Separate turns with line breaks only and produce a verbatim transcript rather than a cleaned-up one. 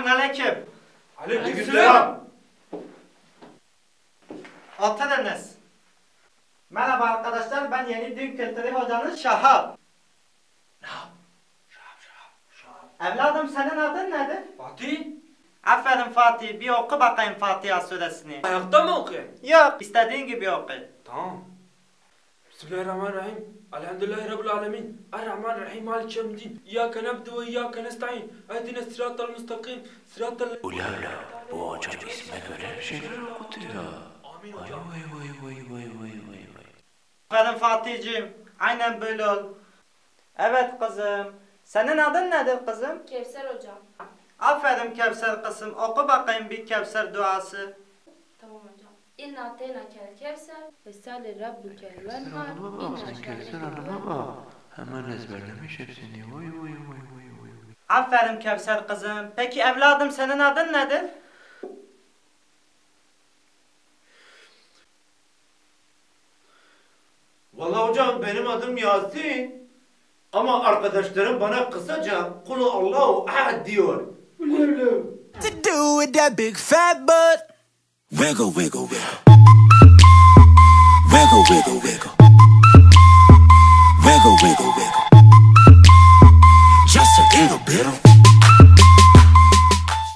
Selamünaleyküm.
Aleykümselam.
Oturunuz. Merhaba arkadaşlar, ben yeni din kültürü hocanız Şahap.
Şahap, Şahap, Şahap.
Evladım senin adın nedir?
Fatih,
Aferin Fatih, bir oku bakayım Fatiha suresini.
ayakta mı okuyayım?
Yok, istediğin gibi oku.
Tamam. Bismillahirrahmanirrahim. Elhamdülillahi Rabbil alemin. Errahmanirrahim. Malik yevmiddin. İyyâke na'budu ve iyyâke nestaîn. Ehdine sıratal müstakim. Sıratal...
Ulala, bu hocam isme göre bir şeyler okutuyor.
Amin
Vay
hocam.
vay vay vay vay vay vay vay.
Aferin Fatih'ciğim, aynen böyle ol. Evet kızım, senin adın nedir kızım?
Kevser hocam.
Aferin Kevser kızım, oku bakayım bir Kevser duası.
Tamam hocam. İnna ateyna kel kevser ve sali rabbuke
Kevser
venhar.
Hanım'a bak, sen Kevser Hanım'a bak. Hemen ezberlemiş hepsini. Vay vay vay vay vay.
Aferin Kevser kızım. Peki evladım senin adın nedir?
Vallahi hocam benim adım Yasin. Ama arkadaşlarım bana kısaca Kulu Allahu Ahad diyor.
To do with that big fat butt. Wiggle, wiggle, wiggle. Wiggle, wiggle, wiggle.